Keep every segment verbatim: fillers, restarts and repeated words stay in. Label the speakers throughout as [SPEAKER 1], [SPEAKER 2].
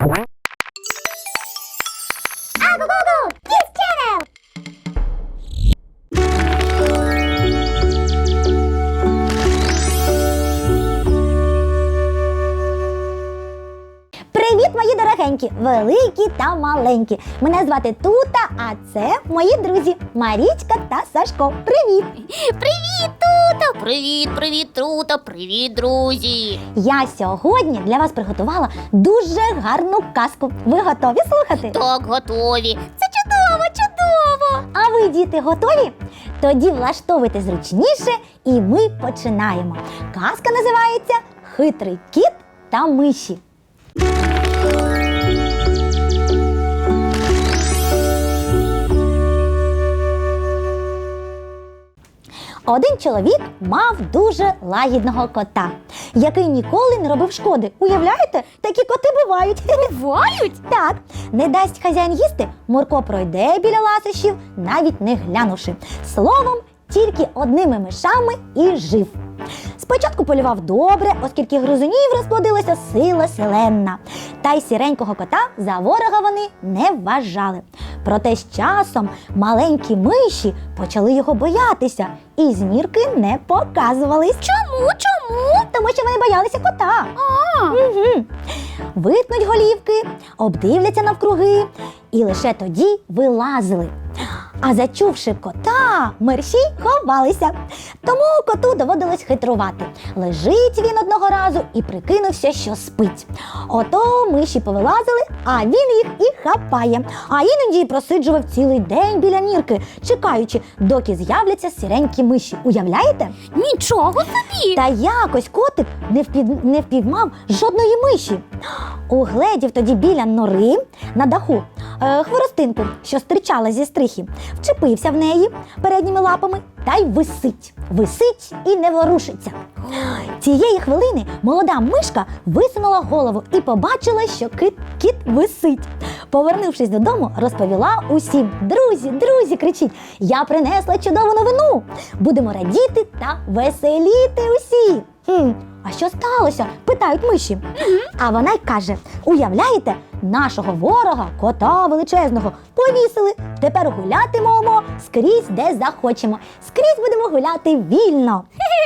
[SPEAKER 1] Привіт, мої дорогенькі, великі та маленькі. Мене звати Тута, а це мої друзі Марічка та Сашко. Привіт!
[SPEAKER 2] Привіт, Тута! Привіт, привіт, Тута! Привіт, друзі!
[SPEAKER 1] Я сьогодні для вас приготувала дуже гарну казку. Ви готові слухати?
[SPEAKER 2] Так, готові! Це чудово, чудово!
[SPEAKER 1] А ви, діти, готові? Тоді влаштовуйте зручніше і ми починаємо. Казка називається «Хитрий кіт та миші». Один чоловік мав дуже лагідного кота, який ніколи не робив шкоди. Уявляєте? Такі коти бувають.
[SPEAKER 2] Бувають?
[SPEAKER 1] Так, не дасть хазяїн їсти, Мурко пройде біля ласощів, навіть не глянувши. Словом, тільки одними мишами і жив. Спочатку полював добре, оскільки гризунів розплодилася сила селенна. Та й сіренького кота за ворога вони не вважали. Проте з часом маленькі миші почали його боятися і змірки не показувались.
[SPEAKER 2] Чому? Чому?
[SPEAKER 1] Тому що вони боялися кота.
[SPEAKER 2] А,
[SPEAKER 1] Угу. Витнуть голівки, обдивляться навкруги і лише тоді вилазили. А зачувши кота, мерщій ховалися. Тому коту доводилось хитрувати. Лежить він одного разу і прикинувся, що спить. Ото миші повилазили, а він їх і хапає. А іноді й просиджував цілий день біля нірки, чекаючи, доки з'являться сіренькі миші. Уявляєте?
[SPEAKER 2] нічого собі!
[SPEAKER 1] Та якось котик не, впів... не впіймав жодної миші. Угледів тоді біля нори на даху е, хворостинку, що стирчала зі стрихи, вчепився в неї передніми лапами та й висить. Висить і не ворушиться. Цієї хвилини молода мишка висунула голову і побачила, що кит, кіт висить. Повернувшись додому, розповіла усім. «Друзі, друзі!» – кричить. «Я принесла чудову новину! Будемо радіти та веселіти усі!» Хм, а що сталося? Питають миші. А вона й каже: уявляєте, нашого ворога, кота величезного, повісили. Тепер гулятимемо скрізь, де захочемо. Скрізь будемо гуляти вільно.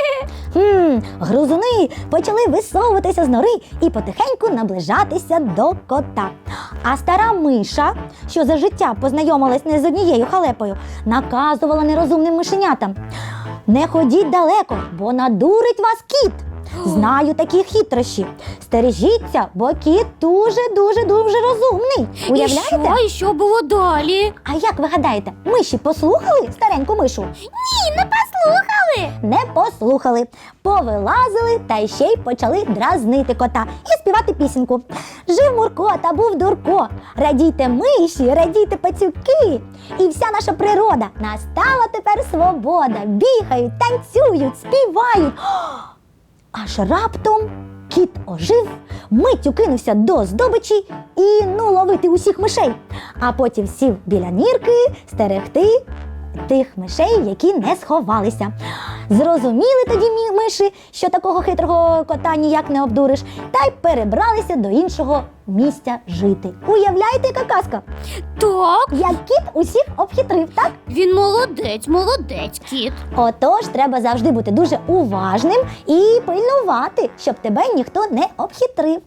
[SPEAKER 1] Хм, грузуни почали висовуватися з нори і потихеньку наближатися до кота. А стара миша, що за життя познайомилась не з однією халепою, наказувала нерозумним мишенятам: не ходіть далеко, бо надурить вас кіт. Знаю такі хитрощі. Стережіться, бо кіт дуже-дуже-дуже розумний. Уявляєте?
[SPEAKER 2] І що, і що було далі?
[SPEAKER 1] А як ви гадаєте, миші послухали стареньку мишу?
[SPEAKER 2] Ні, не послухали!
[SPEAKER 1] Не послухали. Повилазили та й ще й почали дразнити кота і співати пісеньку. Жив Мурко та був Дурко. Радійте миші, радійте пацюки. І вся наша природа. Настала тепер свобода. Бігають, танцюють, співають. Аж раптом кіт ожив, миттю кинувся до здобичі і ну ловити усіх мишей. А потім сів біля нірки стерегти тих мишей, які не сховалися. Зрозуміли тоді миші, що такого хитрого кота ніяк не обдуриш, та й перебралися до іншого місця жити. Уявляєте, яка казка?
[SPEAKER 2] Так,
[SPEAKER 1] Як кіт усіх обхитрив, так?
[SPEAKER 2] він молодець, молодець, кіт.
[SPEAKER 1] Отож, треба завжди бути дуже уважним і пильнувати, щоб тебе ніхто не обхитрив.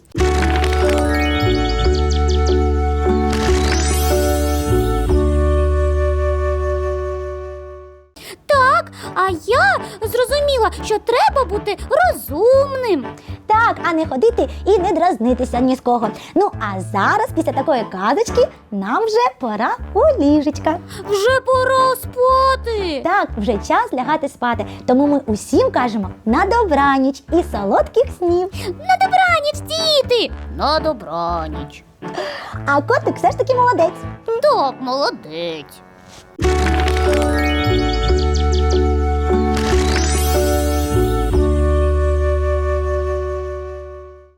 [SPEAKER 2] Так, а я зрозуміла, що треба бути розумним.
[SPEAKER 1] Так, а не ходити і не дразнитися ні з кого. Ну, а зараз, після такої казочки, нам вже пора у ліжечка.
[SPEAKER 2] Вже пора спати.
[SPEAKER 1] Так, вже час лягати спати. Тому ми усім кажемо на добраніч і солодких снів.
[SPEAKER 2] На добраніч, діти! На добраніч.
[SPEAKER 1] А котик все ж таки молодець.
[SPEAKER 2] Так, молодець.